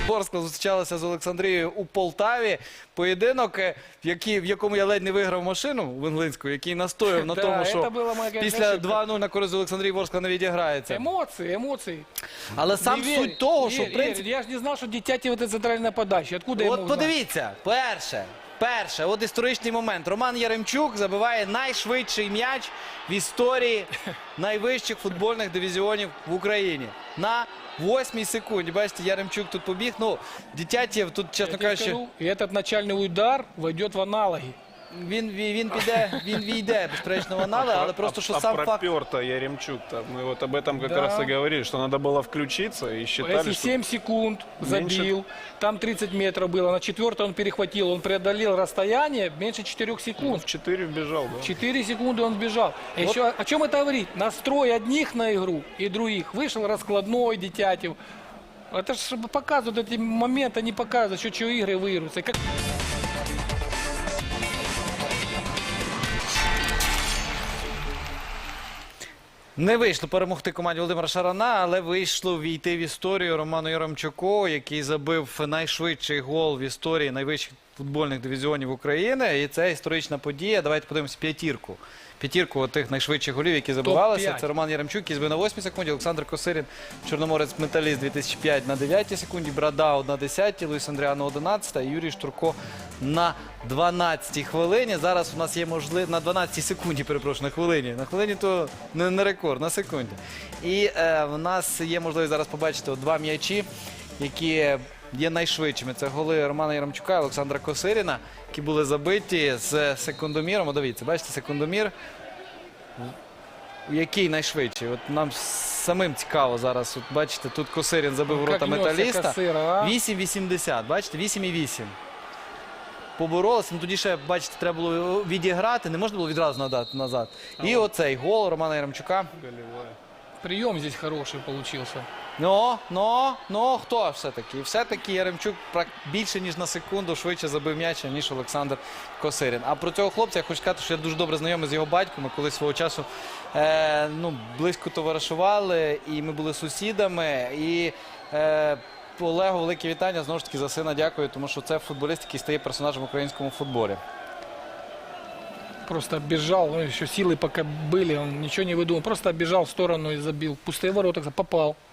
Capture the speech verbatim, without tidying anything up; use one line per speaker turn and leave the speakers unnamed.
Ворскла зустрічалася з Олександрією у Полтаві. Поєдинок, в, який, в якому я ледь не виграв машину Венглинську, який настояв на
Да,
тому,
це
що
була моя, конечно,
після
ошибка.
два нуль на користь Олександрії Ворскла не відіграється.
Эмоции, эмоции.
Але сам
Не
суть
верь,
того,
верь,
що в
верь.
принципі...
Я ж не знав, що Дитяті вот центральна подача. Откуда я
От
мог знати?
подивіться, перше, перше, от історичний момент. Роман Яремчук забиває найшвидший м'яч в історії найвищих футбольних дивізіонів в Україні. На восьмій секунді. Бачите, Яремчук тут побіг. Ну, Дитятєв тут, чесно
Я тебе
кажучи,
скажу, и этот начальный удар войдет в аналоги.
він, він, він піде, він війде, безперечно, в анали, але просто, що
а
сам факт...
пропер-то Яремчук-то. Мы вот об этом как
Да.
раз и говорили, что надо было включиться и считали,
Если
что...
семь секунд забил,
меньше-
там тридцать метров было, на четвертый он перехватил, он преодолел расстояние меньше четырёх секунд.
В четыре вбежал, да.
четыре секунды он бежал. А
Вот.
еще о чем это говорит? Настрой одних на игру и других. Вышел раскладной Дитятев. Это же показывают эти моменты, они показывают, что, что игры выиграются. И как...
Не вийшло перемогти команді Володимира Шарана, але вийшло війти в історію Роману Яремчуку, який забив найшвидший гол в історії найвищих футбольних дивізіонів України. І це історична подія. Давайте подивимося п'ятірку. П'ятірку тих найшвидших голів, які забивалися.
топ-п'ять.
Це Роман Яремчук, який збив на восьмій секунді, Олександр Косирін, Чорноморець Металіст дві тисячі п'ятий на дев'ятій секунді, Брадау на десятій, Луїс Андріано на одинадцятій, і Юрій Штурко на дванадцятій хвилині. Зараз у нас є можливість, на дванадцятій секунді, перепрошую, на хвилині. На хвилині то не, не рекорд, на секунді. І е, в нас є можливість зараз побачити от два м'ячі, які є найшвидшими. Це голи Романа Яремчука і Олександра Косиріна, які були забиті з секундоміром. О, дивіться, бачите, секундомір. Який найшвидший? От нам самим цікаво зараз. От бачите, тут Косирін забив
Ну,
ворота
як несся
Металіста.
Косира, а?
вісім вісімдесят, бачите, вісім вісім. Поборолися, ну тоді ще, бачите, треба було відіграти, не можна було відразу надати назад. І оцей гол Романа Яремчука.
Голевая.
Прием здесь хороший получился.
Ну, ну, ну, хто все-таки? І все-таки Яремчук прак- більше, ніж на секунду швидше забив м'яч, ніж Олександр Косирін. А про цього хлопця я хочу сказати, що я дуже добре знайомий з його батьком. Ми колись свого часу е, ну, близько товаришували, і ми були сусідами. І е, Олегу велике вітання, знову ж таки, за сина дякую, тому що це футболіст, який стає персонажем в українському футболі.
Просто оббежал, ну, еще силы пока были, он ничего не выдумал. Просто оббежал в сторону и забил. Пустые ворота, попал.